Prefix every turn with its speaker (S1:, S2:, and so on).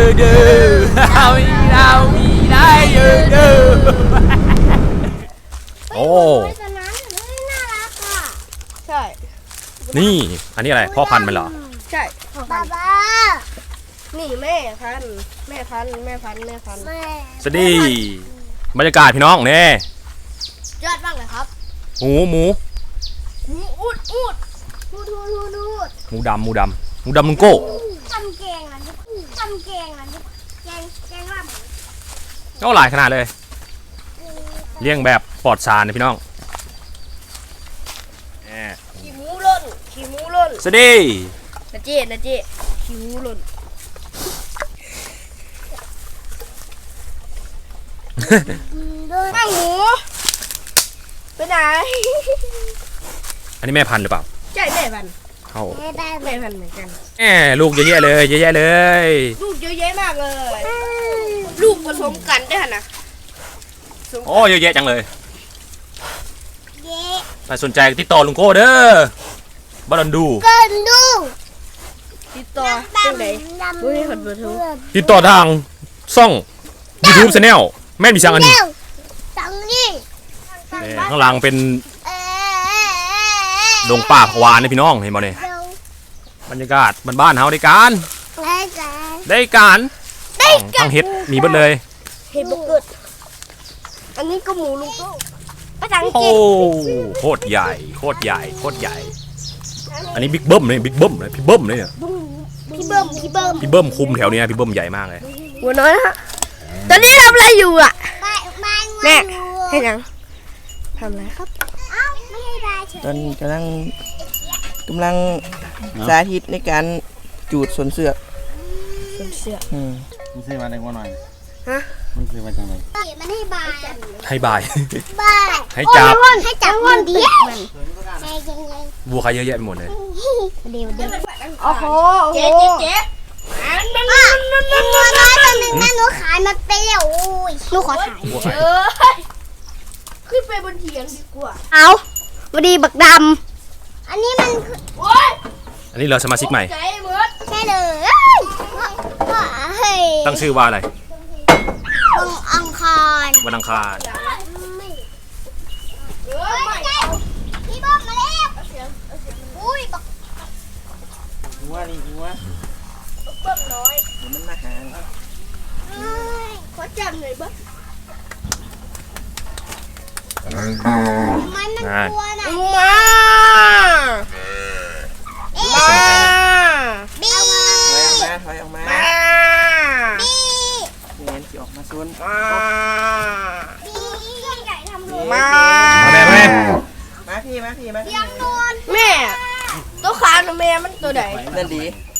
S1: เด้อมีได้เด้อโอ้
S2: ใช่
S1: นี่อันนี้อะไรพ่อพันธุ์มันเหรอ
S2: ใช่
S3: บ้าบ้า
S2: นี่แม่พันธุ์
S1: สวัสดีบรรยากาศพี่น้องเนี่ย
S2: ยอดมากเลยครับ
S1: หมู
S2: อูด
S3: ทูด
S1: หมูดำลุงโก้
S3: ทำแกงอ่ะทำแกงอ่ะแกงลาบ
S1: ก็หลายขนาดเลยเลี้ยงแบบปลอดสารนะพี่น้อง
S2: ขี้หมูล่น
S1: สวัสดี
S2: นะเจ๊ขี้หมูล่นข้างหมูไปไหน
S1: อันนี้แม่พันธุ์หรือเปล่า
S2: ใช่แม่พันธุ์
S1: เข้า
S3: ได้
S2: แม่พันธุ์เหมือนกัน
S1: ลูกเยอะแยะเลย
S2: ลูกเยอะแยะมากเลย ลูกผสมกันได้ขนาด
S1: โอ้เยอะแยะจังเลย
S3: เย้
S1: ถ้าสนใจติดต่อลุงโก้เด้อบอลดู
S3: เกินดู
S2: ติดต่อที่ไหนอุ้ยขัดเบอร์โทร
S1: ติดต่อทางช่อง YouTube Channel แม่นมีช่างอันนี้
S3: ตังนี่
S1: ข้างหลังเป็นดงป่าพวานนี่พี่น้องเห็นบ่เนี่ยบรรยากาศบ้านๆเฮาได้การทั้งเฮ็ดมีเบิดเลย
S2: เห็ดบุกเกิดอันนี้ก็หมูลุงโต้ภาษาอัง
S1: โอ้
S2: กฤษ
S1: โคตรใหญ่อันนี้บิ๊กเบิ้มเลยพี่เบิ้มเลยเนี่ย
S2: พี่เบิ้ม
S1: พี่เบิ้มคุมแถวนี้นะพี่เบิ้มใหญ่มากเลย
S2: หัวน้อยนะฮะตอนนี้ทำอะไรอยู่อ่ะ
S3: แม่
S2: ให้ยังทำอะไรครับ
S3: ไม่ให้ได้เฉย
S4: ตอนกำลังสาธิตในการจูดสวนเสือก
S2: เป็นเสื้อ
S5: มึงซื้อมาได้กว่าหน่อย
S2: ฮะ
S5: มึงซื้อมาจังเลย
S3: มันให้บาย
S1: ให้บาย
S3: บาย
S1: ให้จับ
S3: ให้จับคนเดียวให้ยังไง
S1: บัวใครเยอะแยะไปหมดเลย
S3: เดี๋ยว
S2: โอ้โหเจ๊
S3: ตัวน้อยตัวหนึ่งนะหนูขายมันไปแล้วโอ้ยหนูขอถ่าย
S1: บัวใคร
S2: ขึ้นไปบนเถียงดีกว่า
S3: เอาพอดีบักดำอันนี้มัน
S2: โอ้ย
S1: อันนี้เราสมาชิกใหม่
S2: ใจเหมือน
S3: ใช่เลยเฮ้ย
S1: ตั้งชื่อว่าอะไร
S3: อังคาร
S1: วันอังคาร
S3: พี่บอมมาแล้วอุ้ยบัก
S4: หัวนี่หัว
S2: เบิ้มน้อย
S4: เดี๋ยวมันมาหา
S2: ขอจำหน่อยบ้าง
S3: มันกลัวนะ
S2: มาบี
S4: ถอยออกมา
S2: มา
S4: เงี้ยที่ออกมาส่วน
S3: บีใหญ่ทำรู
S2: มา
S1: แม่
S4: มาพี่
S3: ยังโดน
S2: แม่ตัวขาหนูแม่มันตัวไหน
S4: นั่นดี